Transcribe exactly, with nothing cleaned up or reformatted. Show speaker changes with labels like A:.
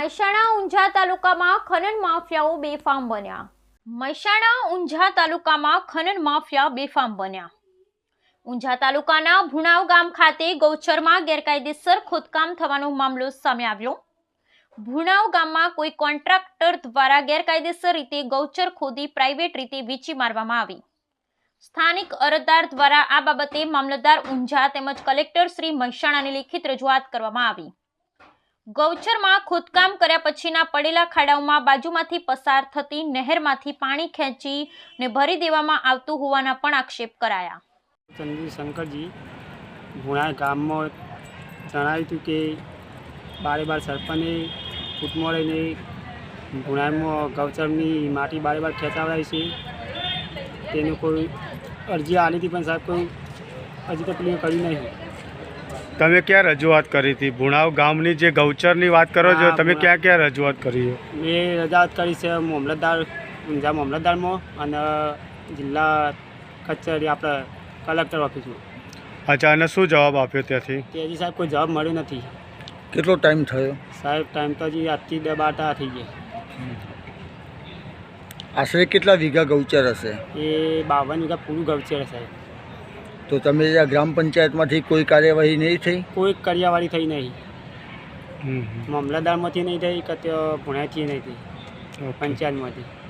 A: મહેસાણા ઊંઝા તાલુકામાં ખનન માફિયાઓ બેફામ બન્યા મહેસાણા ઊંઝા તાલુકામાં ખનન માફિયા બેફામ બન્યા ઊંઝા તાલુકાના ભુણાવ ગામ ખાતે ગૌચરમાં ગેરકાયદેસર ખોદકામ થવાનો મામલો સામે આવ્યો। ભુણાવ ગામમાં કોઈ કોન્ટ્રાક્ટર દ્વારા ગેરકાયદેસર રીતે ગૌચર ખોદી પ્રાઇવેટ રીતે વેચી મારવામાં આવી। સ્થાનિક અરજદાર દ્વારા આ બાબતે મામલતદાર ઊંઝા તેમજ કલેક્ટર શ્રી મહેસાણાની લેખિત રજૂઆત કરવામાં આવી। ગૌચરમાં ખોદકામ કર્યા પછીના પડેલા ખાડાઓમાં બાજુમાંથી પસાર થતી નહેરમાંથી પાણી ખેંચી ને ભરી દેવામાં આવતું હોવાના પણ આક્ષેપ કરાયા।
B: ચંદ્ર શંકરજી ભુણા ગામમાં જણાવ્યું હતું કે બારે બાર સરપંચે ફૂટમોળીને ભુણામાં ગૌચરની માટી બારે બાર ખેંચાવડાવી છે। તેનું કોઈ અરજી આવી હતી પણ સાહેબ કોઈ હજી તક કર્યું નહીં।
C: તમે ક્યાં રજૂઆત કરી હતી? ભુણાવ ગામની જે ગૌચરની વાત કરો છો, તમે ક્યાં ક્યાં રજૂઆત કરી છે?
B: મેં રજૂઆત કરી છે મામલતદાર ઊંઝા મામલતદારમાં અને જિલ્લા કચેરી આપણે કલેક્ટર ઓફિસમાં।
C: અચ્છા, અને શું જવાબ આપ્યો ત્યાંથી?
B: ત્યાંથી સાહેબ કોઈ જવાબ મળ્યો નથી।
C: કેટલો ટાઈમ થયો?
B: સાહેબ ટાઈમ તો હજી આજથી બે બાટા થઈ ગયા।
D: આશરે કેટલા વીઘા ગૌચર હશે?
B: એ બાવન વીઘા પૂરું ગૌચર સાહેબ।
D: તો તમે જ્યાં ગ્રામ પંચાયતમાંથી કોઈ કાર્યવાહી નહીં થઈ?
B: કોઈ કાર્યવાહી થઈ નહીં। મામલતદારમાંથી નહીં થઈ કે ભુણાથી નહીં થઈ, પંચાયતમાંથી।